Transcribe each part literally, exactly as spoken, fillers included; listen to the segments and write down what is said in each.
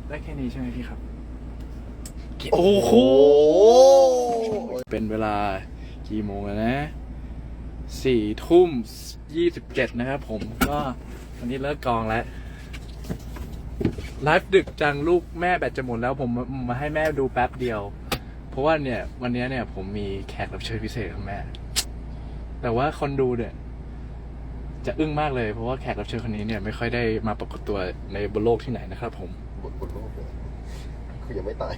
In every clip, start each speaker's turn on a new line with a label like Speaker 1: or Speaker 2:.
Speaker 1: ได้แค่นี้ใช่ไหมพี่ครับ
Speaker 2: โอ้โห
Speaker 1: เป็นเวลากี่โมงแล้วนะสี่ทุ่มยี่สิบเจ็ดนะครับผมก็วันนี้เลิกกองแล้วไลฟ์ดึกจังลูกแม่แบตจะหมดแล้วผมมาให้แม่ดูแป๊บเดียว เพราะว่าเนี่ยวันนี้เนี่ยผมมีแขกรับเชิญพิเศษของแม่ แต่ว่าคนดูเนี่ยจะอึ้งมากเลยเพราะว่าแขกรับเชิญคนนี้เนี่ยไม่ค่อยได้มาปรากฏตัวในบนโลกที่ไหนนะครับผม
Speaker 2: บนบนโลกเลยคือยังไม่ตาย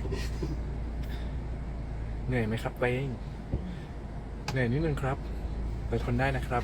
Speaker 1: เหนื่อยไหมครับเป้งเหนื่อยนิดนึงครับแต่ทนได้นะครับ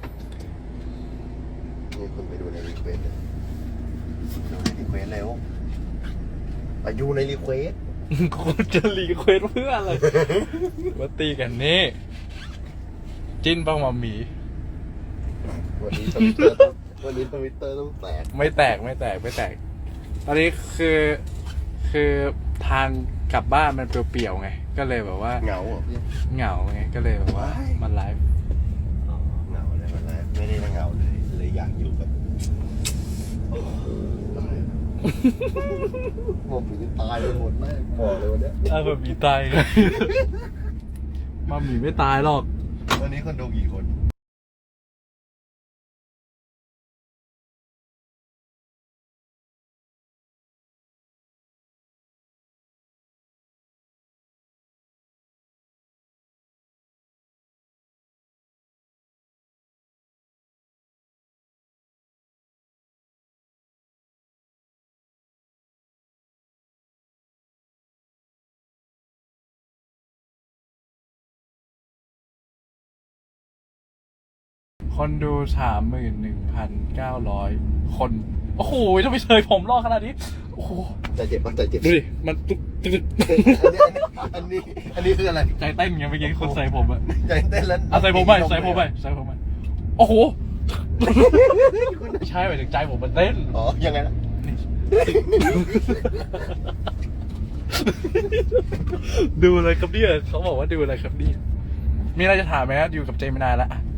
Speaker 2: มีคนไปดูในรีเควสเลยดูในรีเควสแล้วอายุในรีเควส
Speaker 1: คุณจะรีเควสเพื่ออะไร มาตีกันนี่จิ้นบ้างมาหมี
Speaker 2: วันนี้ทวิตเตอร์ต้องวันนี้ทวิตเตอร์ต้องแตก
Speaker 1: ไม่แตกไม่แตกไม่แตก ตอนนี้คือคือทางกลับบ้านมันเปลี่ยวๆไง ก็เลยแบบว่า
Speaker 2: เหงาเหรอพี่
Speaker 1: เหงาไงก็เลยแบบว่า
Speaker 2: ว้าย
Speaker 1: มันไลฟ์
Speaker 2: อ๋อเหงาเลยมันเลยไม่ได้เหงาเลยเลยอยากอยู่แบบโอ้โหตายแล้วผมถึงตายไปหมดแม่บอกเลยวันเนี้ย
Speaker 1: อ้าวแบบหมีตายไง มาหมีไม่ตายหรอก
Speaker 2: วันนี้คนดูกี่คน
Speaker 1: คนดูสามหมื่นหนึ่งพันเก้าร้อยคน โอ้โหทำไมเฉยผมรอขนาดนี้ โอ้โห
Speaker 2: ใจเจ็บปะใจเจ็บ
Speaker 1: ดูดิ มันตึ๊ดตึ๊ด
Speaker 2: อันนี้อันนี้อันนี้คืออะไร
Speaker 1: ใจเต้นไงเมื่อกี้คนใส่ผมอะ
Speaker 2: ใจเต้นแล้ว
Speaker 1: เอาใส่ผมไปใส่ผมไปใส่ผมไปโอ้โห ใช่หมายถึงใจผมมันเต้น
Speaker 2: อ๋อยังไงนะ
Speaker 1: ดูอะไรครับเนี่ยเขาบอกว่าดูอะไรครับเนี่ยมีอะไรจะถามไหมฮะอยู่กับเจมินายแล้วอะ